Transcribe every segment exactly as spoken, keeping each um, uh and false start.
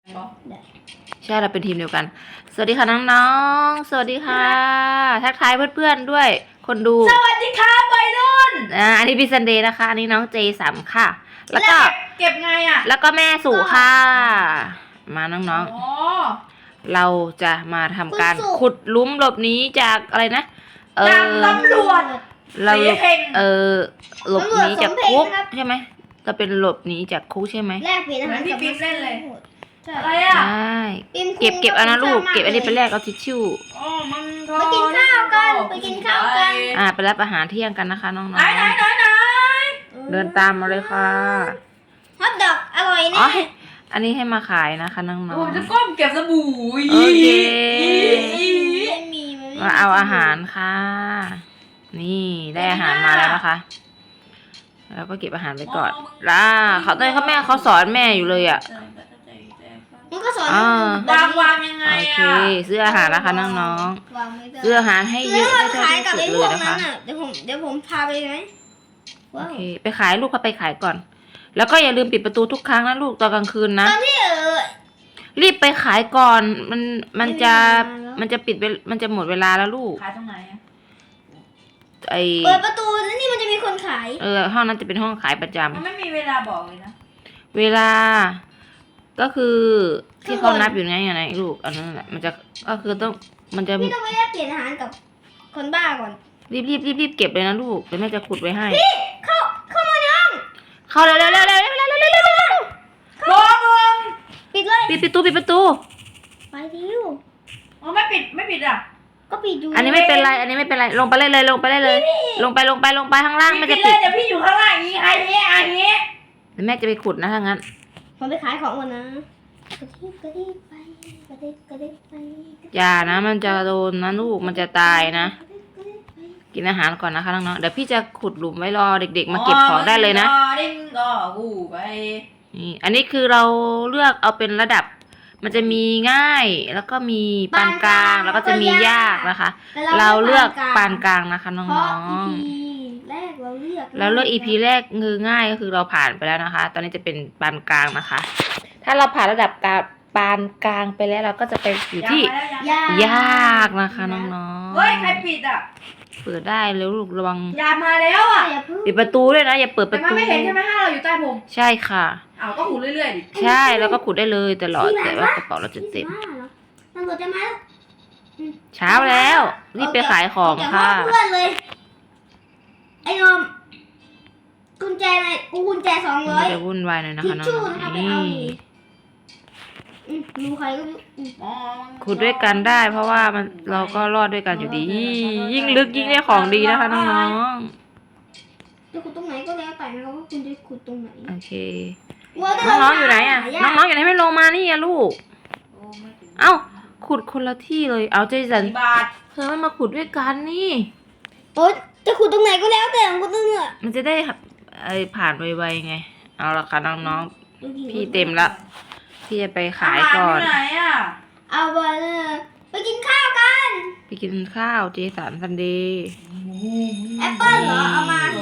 ใช่เราเป็นทีมเดียวกันสวัสดีค่ะน้องๆสวัสดีค่ะทักทายเพื่อนๆด้วยคนดูสวัสดีครับวัยรุ่นอ่าอันนี้พี่ซันเดย์นะคะอันนี้น้องเจสัมค่ะแล้วก็เก็บไงอ่ะแล้วก็แม่สู่ค่ะมาน้องๆเราจะมาทำการขุดหลุมหลบหนีจากอะไรนะเออตำรวจเราเออหลบหนีจากคุกใช่ไหมจะเป็นหลบหนีจากคุกใช่ไหมแลกเปลี่ยนอาหารพี่ปิ๊บเล่นเลยอะไรอ่ะใช่เก็บเก็บเอานะลูกเก็บอันนี้ไปแลกเอาทิชชู่อ๋อมันไปกินข้าวกันไปกินข้าวกันอ่าไปรับอาหารเที่ยงกันนะคะน้องๆไหนไหนไหนไหนเดินตามมาเลยค่ะฮอทดอกอร่อยแน่อันนี้ให้มาขายนะคะน้องๆผมจะก้มเก็บสบู่โอเคไม่มีมาเอาอาหารค่ะนี่ได้อาหารมาแล้วนะคะแล้วก็เก็บอาหารไปก่อนล่ะเขาตอนเขาแม่เขาสอนแม่อยู่เลยอ่ะมันก็สอนวางวางยังไงโอเคซื้ออาหารนะคะน้องๆซื้ออาหารให้เยอะได้เท่าที่สุดเลยนะคะเดี๋ยวผมเดี๋ยวผมพาไปไหมโอเคไปขายลูกเขาไปขายก่อนแล้วก็อย่าลืมปิดประตูทุกครั้งนะลูกตอนกลางคืนนะตอนที่เออรีบไปขายก่อนมันมันจะมันจะปิดมันจะหมดเวลาแล้วลูกขายตรงไหนอะไอเปิดประตูแล้วนี่มันจะมีคนขายเออห้องนั้นจะเป็นห้องขายประจำมันไม่มีเวลาบอกเลยนะเวลาก็คือที่เขานับอยู่ไงอย่างไรลูกอันนั้นแหละมันจะก็คือต้องมันจะพี่ต้องไปแลกเปลี่ยนอาหารกับคนบ้าก่อนรีบรีบรีบรีบเก็บเลยนะลูกเดี๋ยวแม่จะขุดไว้ให้พี่เข้าเข้ามาในห้องเข้าเร็วเร็วเร็วเร็วเร็วเร็วเร็วเร็วเร็วเร็วบอกมึงปิดเลยปิดประตูปิดประตูไปดิวอ๋อไม่ปิดไม่ปิดอ่ะก็ปิดอยู่อันนี้ไม่เป็นไรอันนี้ไม่เป็นไรลงไปเลยเลยลงไปเลยเลยลงไปลงไปลงไปข้างล่างมันจะปิดเดี๋ยวพี่อยู่ข้างล่างนี้ไอ้เนี้ยไอ้เนี้ยเดี๋ยวแม่จะไปขุดนะถ้างั้นผมไปขายของก่อนนะกระดิบกระดิบไปกระดิบกระดิบไปอย่านะมันจะโดนนะลูกมันจะตายนะกินอาหารก่อนนะคะน้องๆเดี๋ยวพี่จะขุดหลุมไว้รอเด็กๆมาเก็บของได้เลยนะนี่อันนี้คือเราเลือกเอาเป็นระดับมันจะมีง่ายแล้วก็มีปานกลางแล้วก็จะมียากนะคะเราเลือกปานกลางนะคะน้องๆแรกเราเลือกแล้วเลือก อี พี แรกคือง่ายก็คือเราผ่านไปแล้วนะคะตอนนี้จะเป็นปานกลางนะคะถ้าเราผ่านระดับปานกลางไปแล้วเราก็จะไปอยู่ที่ยากนะคะน้องๆเฮ้ยใครปิดอ่ะเปิดได้แล้วลูกระวังยามาแล้วอ่ะปิดประตูด้วยนะอย่าเปิดประตูไม่เห็นใช่ไหมถ้าเราอยู่ใต้ผมใช่ค่ะอ้าวก็ขุดเรื่อยๆดิใช่แล้วก็ขุดได้เลยตลอดแต่ว่ากระเป๋าเราจะเต็มตำรวจจะมาเช้าแล้วรีบไปขายของค่ะเพื่อนเลยไอ้นมกุญแจอะไรกูกุญแจสองร้อยจะวุ่นวายหน่อยนะคะน้องนี่ดูใครก็ขุดด้วยกันได้เพราะว่ามันเราก็รอดด้วยกันอยู่ดียิ่งลึกยิ่งได้ของดีนะคะน้องๆจะขุดตรงไหนก็แล้วแต่นะครับว่าคุณจะขุดตรงไหนโอเคน้องๆอยู่ไหนอ่ะน้องๆอยู่ไหนไม่ลงมานี่อะลูกเอ้าขุดคนละที่เลยเอาใจสันเธอไม่มาขุดด้วยกันนี่โอ๊ยจะขุดตรงไหนก็แล้วแต่ของคุณต้องเนี่ยมันจะได้ไอผ่านไวๆไงเอาละค่ะน้องๆพี่เต็มละพี่จะไปขายก่อนไหนอ่ะเอาไปเลยไปกินข้าวกันไปกินข้าวเจสันซันเดย์แอปเปิ้ลเหรอเอามาสิ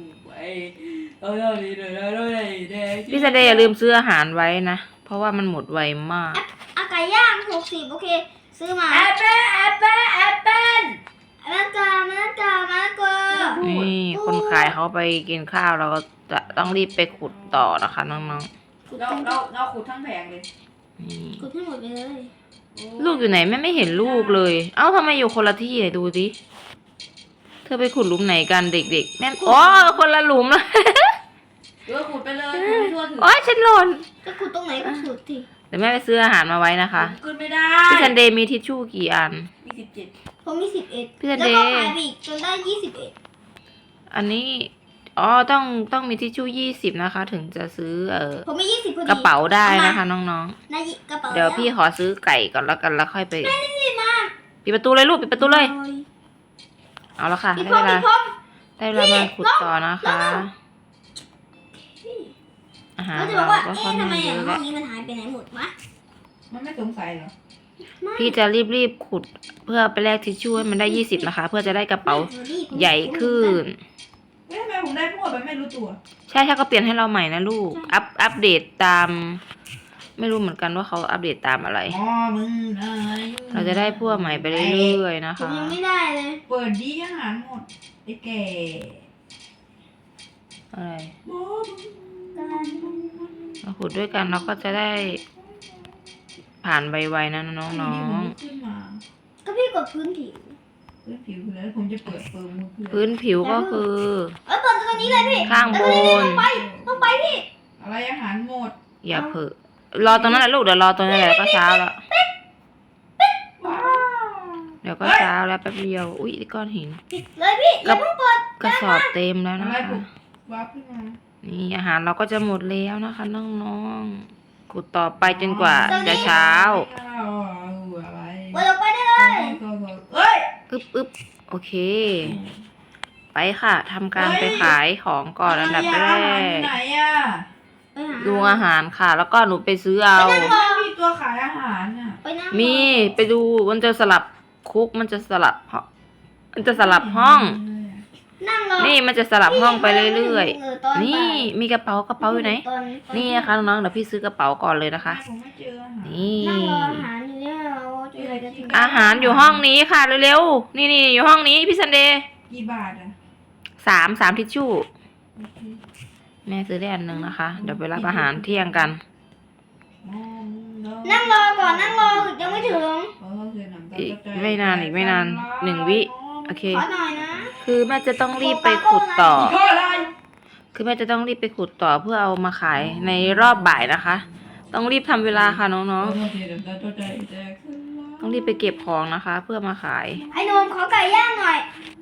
พี่ซันเดย์อย่าลืมซื้ออาหารไว้นะเพราะว่ามันหมดไวมากอาไก่ย่างหกสิบโอเคซื้อมาแอปเปิ้ลแอปเปิ้ลแอปเปิ้ลมะละกอมะละกอมะละกอนี่คนขายเขาไปกินข้าวเราก็จะต้องรีบไปขุดต่อนะคะน้องๆเราเราเราขุดทั้งแผงเลยขุดให้หมดไปเลยลูกอยู่ไหนแม่ไม่เห็นลูกเลยเอ้าทำไมอยู่คนละที่เลยดูสิเธอไปขุดหลุมไหนกันเด็กๆแม่อ๋อคนละหลุมเลยเออขุดไปเลยขุดไปทั่วถึงโอ้ยฉันหล่นจะขุดตรงไหนก็ขุดทีเดี๋ยวแม่ไปซื้ออาหารมาไว้นะคะขุดไม่ได้พี่ซันเดย์มีทิชชู่กี่อันมีสิบเจ็ดผมมีสิบเอ็ดพี่ซันเดย์แล้วก็ขายอีกจนได้ยี่สิบเอ็ดอันนี้อ๋อต้องต้องมีทิชชู่ยี่สิบนะคะถึงจะซื้อเออผมมียี่สิบกระเป๋าได้นะคะน้องๆเดี๋ยวพี่ขอซื้อไก่ก่อนแล้วกันแล้วค่อยไปปิดประตูเลยลูกปิดประตูเลยเอาละค่ะได้เวลาได้เวลามาขุดต่อนะคะอาหารเราก็ค่อนข้างเยอะแล้วนี้มันหายไปไหนหมดวะมันไม่สงสัยเหรอพี่จะรีบๆขุดเพื่อไปแลกทิชชู่ให้มันได้ยี่สิบนะคะเพื่อจะได้กระเป๋าใหญ่ขึ้นทำไมผมได้พวกแบบไม่รู้ตัวใช่ถ้าก็เปลี่ยนให้เราใหม่นะลูกอัพอัปเดตตามไม่รู้เหมือนกันว่าเขาอัปเดตตามอะไรอ๋อมึงเอ้ยเราจะได้พวกใหม่ไปเรื่อยๆนะผมคะยังไม่ได้เลยเปิดดีอาหารหมดไอ้แก่อะไรหมอมึงเราขุดด้วยกันเราก็จะได้ ผ่านไวๆนะน้องนี่ผมๆขึ้นมาก็พี่กดพื้นผิวพื้นผิวคือแล้วผมจะเปิดเปิดมือคือพื้นผิวก็คือเออเปิดตรงนี้เลยพี่ข้างบเออนี่นต้องไปต้องไปพี่อะไรอาหารหมดอย่าเผลอรอตรงนั้นแหละลูกเดี๋ยวรอตรงนั้นแหละก็เช้าแล้วว้าวเดี๋ยวก็เช้าแล้วแป๊บเดียวอุ้ยก้อนหินปิดเลยพี่อย่าเพิ่งเปิดกระสอบเต็มแล้วอะนะไรคะผมว้าบขึ้นมานี่อาหารเราก็จะหมดแล้วนะคะน้องๆขุดต่อไปจนกว่าจะเช้าเอาอะไรเปิดออกไปได้เลยเอ้ยอึ๊บอึ๊บโอเค ไปค่ะทำการไปขายของก่อนอันดับแรอาหารอยู่กไหนอ่ะไปหาดูอาหารค่ะ แล้วก็หนูไปซื้อเอาไม่มีตัวขายอาหารอ่ะไปนั่งมีไปดูมันจะสลับคุกมันจะสลับห้องมันจะสลับห้องนั่งรอนี่มันจะสลับห้องไปเรื่อยตอๆ นี่บ่ายมีกระเป๋ากระเป๋าอยู่ไหนตอนตอนี่นะคะน้องๆเดี๋ยวพี่ซื้อกระเป๋าก่อนเลยนะคะผมไม่เจออาหารนี่นั่งรออาหารอยู่เนี่ยเราจะอะไรกันถึงอาหารอยู่ห้องนี้ค่ะเร็วๆ นี่นี่อยู่ห้องนี้พี่ซันเดย์กี่บาทอ่ะสามสามทิชชู่โอเคแม่ซื้อได้อันหนึ่งนะคะ เดี๋ยวไปรับอาหารเที่ยงกันมองเานั่งรอก่อนนั่งรอยังไม่ถึงเออเสียหนังตาอีกใจไม่นานอีกไม่นานหนึ่งวิ โอเคขอหน่อยนะคือแม่จะต้องรีบไปขุดต่อโทษอะไรคือแม่จะต้องรีบไปขุดต่อเพื่อเอามาขายในรอบบ่ายนะคะ ต้องรีบทำเวลาค่ะน้องเออเสียหนังตาใจแตกสลายๆ ต้องรีบไปเก็บของนะคะ เพื่อมาขายไอ้หนมขอไก่ย่างหน่อย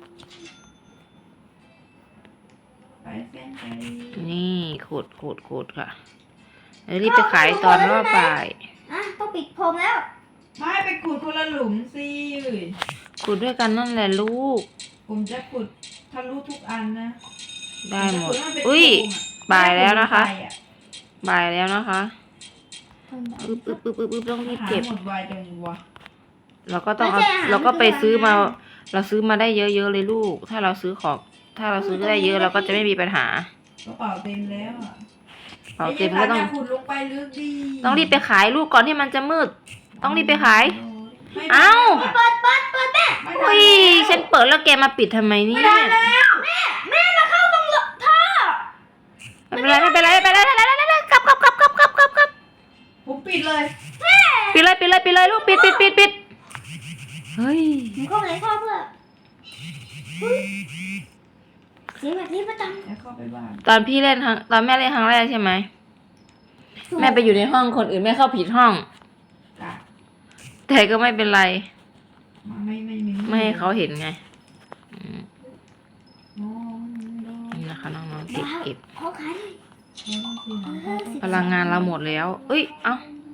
ไปเส้นไปนี่ขุดขุดขุดค่ะเดี๋ยวรีบไปขายตอนรอบบ่ายอ่ะต้องปิดผมแล้วไม่ไปขุดคนละหลุมสิขุดด้วยกันนั่นแหละลูกผมจะขุดทะลุทุกอันนะได้หมดผจะขุให้นเป็นอุ้ยโครงอะบ่ายแล้วนะคะไปอบ่ายแล้วนะคะอึ๊บอึ๊บอึ๊บอึ๊บอึ๊บต้องรีบหาเก็บหมดไวจังวะเราก็ต้องเอาไม่ใช่อาหารเราก็ไปคืออาหารซื้อมา เราซื้อมาได้เยอะๆเลยลูก ถ้าเราซื้อของ ถ้าเราซื้อได้เยอะเราก็จะไม่มีปัญหากระเป๋าเต็มแล้วอะเป๋าเต็มก็ต้องไยายสารย่าขุดลงไปลึกดีต้องรีบไปขายลูกก่อนที่มันจะมืด ต้องรีบไปขายไม่เอ้าไม่เปิดเปิดเปิดแม่ไม่ทันอุ้ยฉันเปิดแล้วแกมาปิดทำไมเนี่ยไม่ได้แล้วแม่แม่มาเข้าตรงท่อไม่เป็นไรไม่เป็นไรไม่เป็นไรไม่เป็นไรไม่เป็นไรกลับกลับกลับกลับกลับกลับกลับผมปิดเลยปิดเลยปิดเลยปิดเลยลูกปิดปิดปิดปิดเฮ้ยหนูเข้าไปในท่อเพื่อเฮ้ยเสียงแบบนี้ประจแล้วเข้าไปบ้านตอนพี่เล่นครั้งตอนแม่เล่นครั้งแรกใช่ไหมำแม่ไปอยู่ในห้องคนอื่นแม่เข้าผิดห้องจ้ะแต่ก็ไม่เป็นไรมาไม่ไม่ไม่ไม่ให้เขาเห็นไงอืมมองดูนี่นะคะน้องๆเก็บเก็บขอขายหน่อยมองสิพลังงานเราหมดแล้ว เอ้ย เอ้า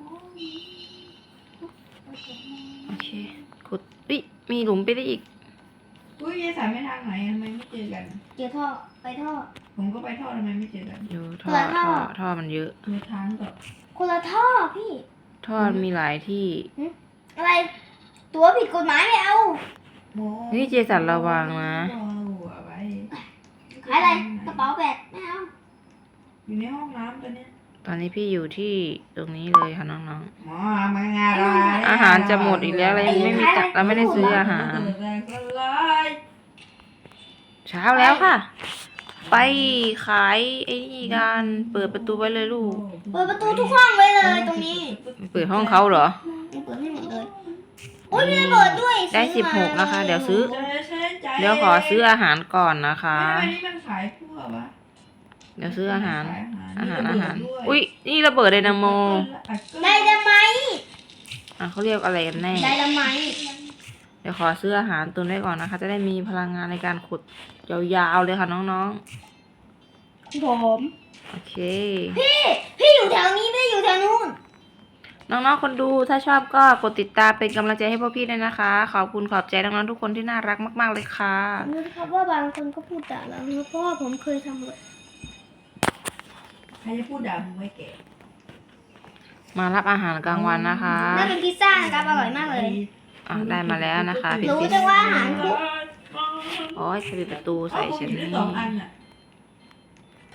โอเค ขุดเอ้ย มีหลุมไปได้อีกอุ้ยยายสายไม่ทางไหนทำไมไม่เจอกันเจอท่อไปท่อผมก็ไปทอดทำไมไม่เจอกันอยู่ท่อเปิดท่ท่ออ ท่อมันเยอะเจอทางกับคนละท่อพี่ท่อมีหลายที่อะไร ตัวผิดกฎหมายไม่เอามองนี่เจสันระวังนะเอาเอาไว้ขายอะไรกระเป๋าแบกไม่เอาอยู่ในห้องน้ำตัวเนี้ยตอนนี้พี่อยู่ที่ตรงนี้เลยค่ะน้องหมอมางานอะไรๆ อาหารจะหมดอีกแล้วเรายังไม่มีตังค์เราไม่ได้ซื้ออาหารแตกสลายเช้าแล้วค่ะ ไปขายไอ้นี่กันเปิดประตูไว้เลยลูกเปิดประตูทุกห้องไว้เลยตรงนี้เปิดห้องเขาเหรอเปิดให้หมดเลยโอ้ยมีระเบิดด้วยได้ซื้สิบหกนะคะ เดี๋ยวซื้อ เดี๋ยวขอซื้ออาหารก่อนนะคะทำไมนี่มันขายทั่ววะเดี๋ยวซื้ออาหารขยอาหารมีอาระหารเบิดด้วยอุ้ยนี่ระเบิดไดนาโมได้ทำไมอ่ะเขาเรียกอะไรกันแน่ได้ทำไมเดี๋ยวขอซื้ออาหารตุนไว้ก่อนนะคะ จะได้มีพลังงานในการขุดยาวๆเลยค่ะน้องผมๆ โอเคพี่พี่อยู่แถวนี้ไม่ได้อยู่แถวนู้นน้องๆ คนดูถ้าชอบก็กดติดตามเป็นกำลังใจให้พวกพี่ด้วยนะคะ ขอบคุณขอบใจน้องๆทุกคนที่น่ารักมากๆเลยค่ะรู้ครับว่าบางคนก็พูดด่าเรานะเพราะว่าผมเคยทำเลยใครจะพูดด่ามึงไว้แก่มารับอาหารกลางวันนะคะน่าเป็นพิซซ่านะครับอร่อยมากเลยอ่ะได้มาแล้วนะคะพี่รู้ปิ๊กจังว่าอาหารคุกโอ้ยจะปิดประตูใส่ฉันมีนี่สองอันอ่ะท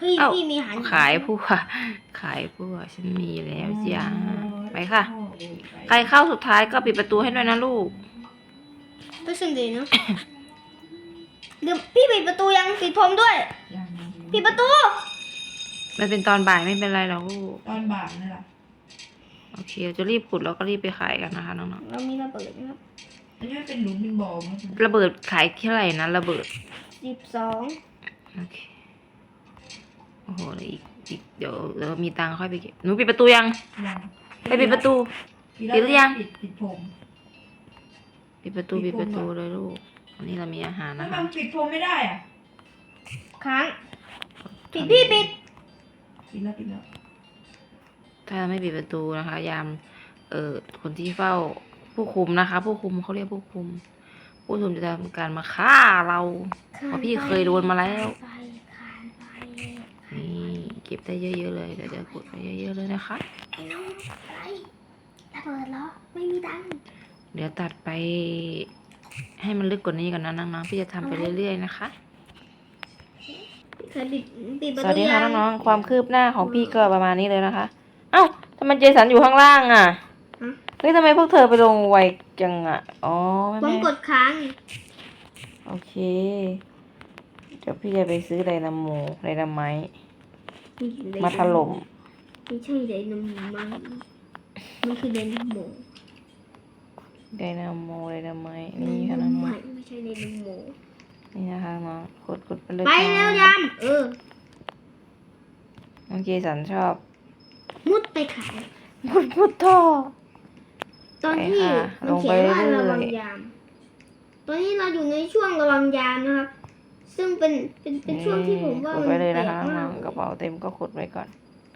พี่เอ้าพี่มีอาหารขายพั่วขายพั่วฉันมีแล้วจ้าไปค่ะ ใครเข้าสุดท้ายก็ปิดประตูให้ด้วยนะลูกก็ซึ่งดีเนาะ เดี๋ยวพี่ปิดประตูยังปิดพรมด้วยยังปิดประตูมันเป็นตอนบ่ายไม่เป็นไรหรอกลูกตอนบ่ายนี่แหละโอเคเราจะรีบขุดแล้วก็รีบไปขายกันนะคะน้องเรามีระเบิดนะครับอันนี้มันเป็นหลุมเป็นบ่อมั้งๆระเบิดขายเท่าไหร่นะระเบิดสิบสองโอเคโอ้โหแล้วอีกอีกเดี๋ยวเดี๋ยวมีตังค์ค่อยไปเก็บหนูปิดประตูยังยังไปปิดประตู ปิดหรือยังปิดปิดผมปิดประตูปิปิดดพรมประตูเหรอเลยลูกวันนี้เรามีอาหารแล้วนะมัคะนปิดผมไม่ได้อ่ะค้างปิดพี่ปิดปิดแล้วปิดแล้วถ้าไม่ปิดประตูนะคะ ยาม เอ่อคนที่เฝ้าผู้คุมนะคะ ผู้คุมเขาเรียกผู้คุม ผู้คุมจะทำการมาฆ่าเรา เพราะพี่เคยโดนมาแล้วไปคานไปนี่เก็บได้เยอะๆเลยเดี๋ยวจะขุดไปเยอะๆเลยนะคะไอ้น้องอะไรระเบิดเหรอไม่มีตังค์เดี๋ยวตัดไป ให้มันลึกกว่านี้ก่อนนะน้องๆพี่จะทำไปเรื่อยๆนะคะเคยปิดปิดประสตูวัสดีค่ะยังน้องๆความคืบหน้าของพี่ก็ประมาณนี้เลยนะคะ เอ้าทำไมเจสันอยู่ข้างล่างอ่ะเฮ้ยทำไมพวกเธอไปลงไวจังอ่ะอ๋อไม่ผมไม่กดค้างโอเคเดี๋ยวพี่จะไปซื้อไดนาโมไดนาไมต์มาถล่มไม่ใช่ไดนาโมมันมันคือไดนาโมไดนาโมไดนาไมต์นี่ค่ะน้องไม่ไม่ใช่ไดนาโมๆนี่นะคะน้องขุดขุดไปเลยไปค่ะแล้วยำเออน้องเจสันชอบมุดไปขายมุดมุดท่อตอนที่ไปค่ะมันเขียนว่าลงไปเรื่อยๆระวังยาม ตอนนี้เราอยู่ในช่วงระวังยามนะครับ ซึ่งเป็นเป็นเป็นช่วงที่ผมว่าขุดมันไปเลยแปลนะกคะมาน้อก งๆกระเป๋าเต็มก็ขุดไว้ก่อน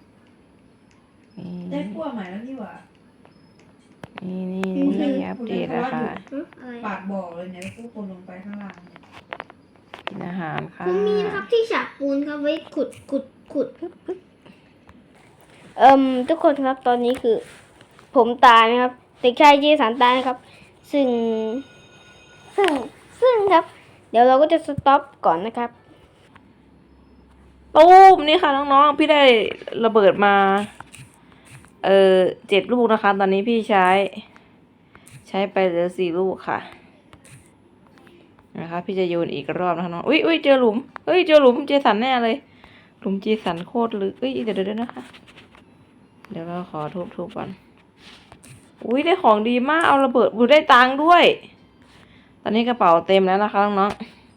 ได้นี่พวกใหม่แล้วนี่หว่านี่นี่นี่อัปเดตนะคะฮะอะไรปากบ่อเลยเนี่ยผู้คนลงไปข้างล่างเนี่ยกินอาหารค่ะผมมีนะครับที่ฉากปูนครับไว้ขุดขุดขุดเอ่มทุกคนครับตอนนี้คือ ผมตายนะครับเด็กชายเจสันตายนะครับ ซึ่ง ซึ่งซึ่งครับ เดี๋ยวเราก็จะสต็อปก่อนนะครับตูมนี่ค่ะน้องๆพี่ได้ระเบิดมา เออเจ็ดลูกนะคะ ตอนนี้พี่ใช้ ใช้ไปเหลือสี่ลูกค่ะนะคะ พี่จะโยนอีกรอบนะคะน้องอุ้ยอุ้ยเจอหลุมเฮ้ยเจอหลุมเจสันแน่เลยหลุมเจสันโคตรลึกเอ้ยเดี๋ยวเดี๋ยวเดี๋ยวนะคะ เดี๋ยวเราขอทุบทุบก่อนอุ้ยได้ของดีมากเอาระเบิดบูได้ตังค์ด้วย ตอนนี้กระเป๋าเต็มแล้วนะคะน้อง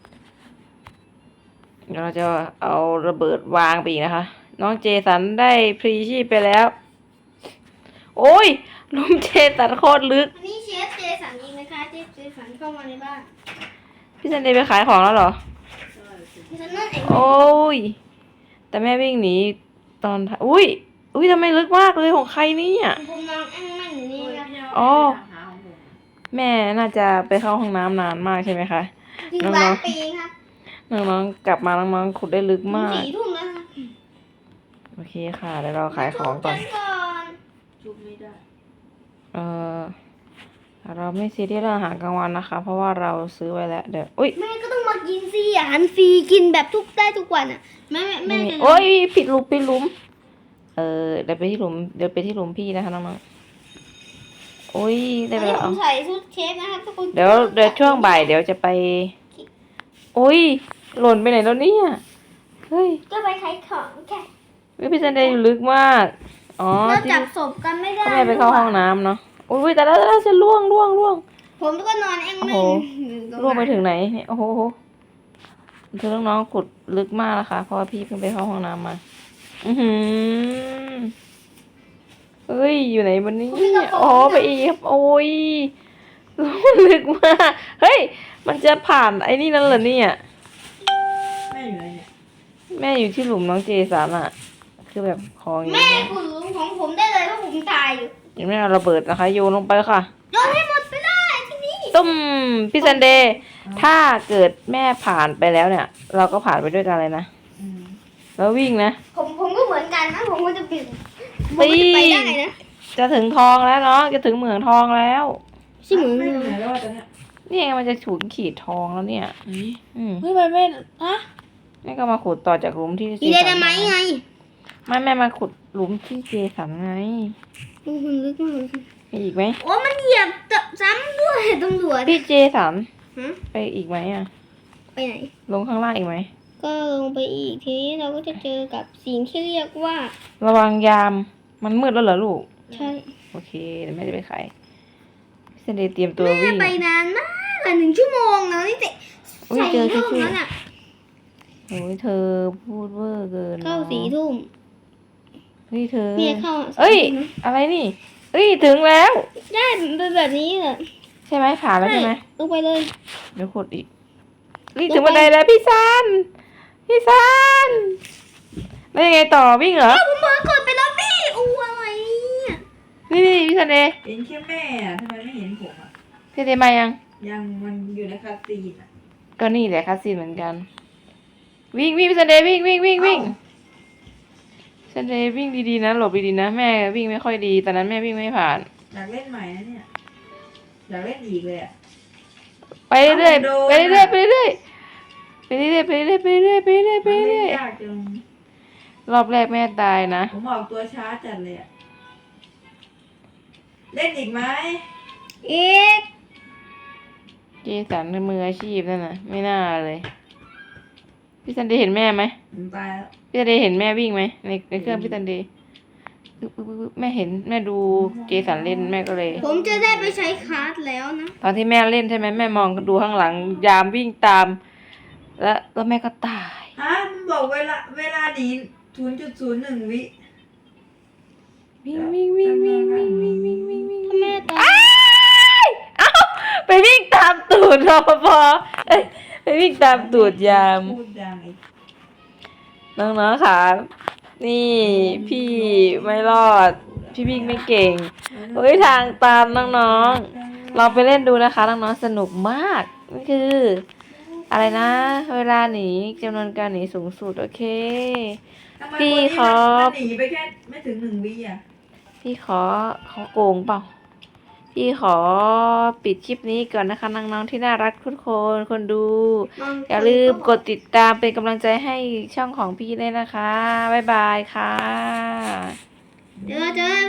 ๆเดี๋ยวเราจะเอาระเบิดวางไปอีกนะคะ น้องเจสันได้พรีชีพไปแล้ว โอ้ยหลุมเจสันโคตรลึกอันนี้เชฟเจสันเองนะคะเชฟเจสันเข้ามาในบ้านพี่ซันเดย์ไปขายของแล้วเหรอเจสันนั่นเองโอ้ย แต่แม่วิ่งหนีตอนท้ายอุ้ย อุ้ยทำไมลึกมากเลยของใครเนี่ยผมนอนแอ่งแม่งอยู่นี่ครับอ๋อ แม่น่าจะไปเข้าห้องน้ำนานมากใช่ไหมคะถึงน้องๆล้านปีครับน้องๆกลับมาน้องๆขุดได้ลึกมากสี่ทุ่มแล้วครับโอเคค่ะเดี๋ยวเราขายของก่อนทุบก่อนจุบไม่ได้เออเราไม่ซีเรียสเรื่องอาหารกลางวันนะคะ เพราะว่าเราซื้อไว้แล้วเดี๋ยวอุ้ยแม่ก็ต้องมากินสิอาหารฟรีกินแบบทุกได้ทุกวันอ่ะแม่แม่ไม่แม่มีจะโอ้ยผิดหลุมผิดหลุม เออเดี๋ยวไปที่หลุมเดี๋ยวไปที่หลุมพี่นะคะน้องๆโอ้ยได้ไปตอนนี้แล้วผเอามใส่ชุดเชฟนะครับทุกคนเดี๋ยวเดี๋ยวช่วงบ่ายเดี๋ยวจะไปโอ้ยหล่นไปไหนแล้วเนี่ยเฮ้ยก็ไปขายของแค่วิพี่ซันเดย์อยู่ลึกมากอ๋อเราที่จับศพกันไม่ได้ก็แม่ไปเข้าห้องน้ำเนาะโอ้ยแต่แล้วแต่แล้วจะล่วงล่วงล่วงผมก็นอนแอ่งโอ้แม่โหงอยู่ตรงล่วงไปนั้นถึงไหนเนี่ยโอ้โหคือน้องๆขุดลึกมากนะคะ เพราะว่าพี่เพิ่งไปเข้าห้องน้ำมา อือหือเอ้ยอยู่ไหนบนนี้อ๋อไปอีกครับโอ้ยลึกมากเฮ้ยมันจะผ่านไอ้นี่นั่นเหรอเนี่ยแม่อยู่ไหนเนี่ยแม่อยู่ที่หลุมน้องเจสันอะคือแบบของอย่างแม่เงี้ยขุดหลุมของผมได้เลยเพราะผมตายอยู่ยังไม่เอาระเบิดนะคะโยนลงไปค่ะโยนให้หมดไปเลยที่นี่ตุ้มพี่ซันเดย์ถ้าเกิดแม่ผ่านไปแล้วเนี่ย เราก็ผ่านไปด้วยกันเลยนะอืมแล้ววิ่งนะผมผมก็เหมือนกันนะผมก็จะปิดผมปีก็จะไปได้นะจะถึงทองแล้วเนาะจะถึงเหมืองทองแล้วใช่เหมือนแม่กัอน ยู่ไหนแล้ววะตอนเนี้ยนี่ไงมันจะฉุนขีดทองแล้วเนี่ย อืมเฮ้ยไปแม่ฮะแม่ก็มาขุดต่อจากหลุมที่เจมีไดสันนาไมต์ไงไม่แม่มาขุดหลุมที่เจสันไงโอ้โหลึกมากเลยไปอีกไหมโอ้มันเหยียบซ้ำด้วยตำรวจพี่เจสันฮะไปอีกไหมอ่ะไปไหนลงข้างล่างอีกไหมก็ลงไปอีกทีนี้เราก็จะเจอกับสิ่งที่เรียกว่าระวังยามมันมืดแล้วเหรอลูกใช่โอเคเดี๋ยวแม่จะไปขายพี่ซันเดย์เตรียมตัวแม่วิ่งไปนานมากอะหนึ่งชั่วโมงแล้วนี่เตะอุ๊ยใส่เจอห้องชื่อแล้วน่ะโอ้ยเธอพูดเวอร์เกินเข้านะสี่ทุ่มเฮ้ยเธอเมียเข้าเอ้ยสี่ทุ่มนะอะไรนี่เอ้ยถึงแล้วได้เป็นแบบนี้เหรอใช่ไหมผ่านแล้วใช่ไหมลงไปเลยเดี๋ยวขุดอีกนี่ถึงบันไดแล้วพี่ซันพี่ซันแล้วยังไงต่อวิ่งเหรอผมเพิ่งกดไปแล้วพี่อู้อะไรเนี่ยนี่นี่พี่ซันเดย์เห็นแค่แม่อะทำไมไม่เห็นผมอ่ะพี่ซันเดย์มายังยังมันอยู่ในคาซีนอ่ะก็นี่แหละคาซีนเหมือนกัน วิ่งวิ่งพี่ซันเดย์วิ่งวิ่งวิ่งวิ่งพี่ซันเดย์วิ่งดีๆนะหลบดีๆนะแม่วิ่งไม่ค่อยดีตอนนั้นแม่วิ่งไม่ผ่านอยากเล่นใหม่นะเนี่ยอยากเล่นอีกเลยอ่ะไปเรื่อยเอาโดนๆไปเรื่อยๆไปเรื่อยๆไปเรื่อยๆไปเรื่อยๆไปเรื่อยๆไปเรื่อยๆไปมันเรื่เล่อน ยยากจังๆรอบแรกแม่ตายนะผมออกตัวช้าจัดเลยอ่ะเล่นอีกไหมอีกเจสันมืออาชีพนั่นน่ะไม่น่าเลยพี่ซันเดย์เห็นแม่ไหมผมตายแล้วพี่ซันเดย์เห็นแม่วิ่งไหมในในเครื่องพี่ซันเดย์ปึ๊บปึ๊บปึ๊บปึ๊บแม่เห็นแม่ดูเจสันเล่นแม่ก็เลยผมจะได้ไปใช้คาร์ดแล้วนะตอนที่แม่เล่นใช่ไหมแม่มองดูข้างหลังยามวิ่งตาม แล้วแล้วแม่ก็ตายฮะมันบอกเวลาเวลาหนีศูนย์จุดศูนย์หนึ่งวิวิ่งวิ่งวิ่งวิ่งวิ่งวิ่งวิ่งวิ่งวิ่งถ้าแม่ตายอ้ายเอ้าไปวิ่งตามตูดรปภเอ้ยไปวิ่งตามตูดยามพูดดังอีกน้องๆค่ะนี่พี่ไม่รอด พี่วิ่งไม่เก่งเฮ้ยทางตามน้องๆเราไปเล่นดูนะคะน้องๆสนุกมากนี่คือ อะไรนะ เวลาหนีจำนวนการหนีสูงสุดโอเคทำไมพี่นนี้ขอมันหนีไปแค่ไม่ถึงหนึ่งวิอ่ะพี่ขอขอโกงเปล่า พี่ขอปิดคลิปนี้ก่อนนะคะน้องๆที่น่ารักทุกคนคนดู อย่าลืมกดติดตามเป็นกำลังใจให้ช่องของพี่ด้วยนะคะ บ๊ายบายค่ะเจอเจอ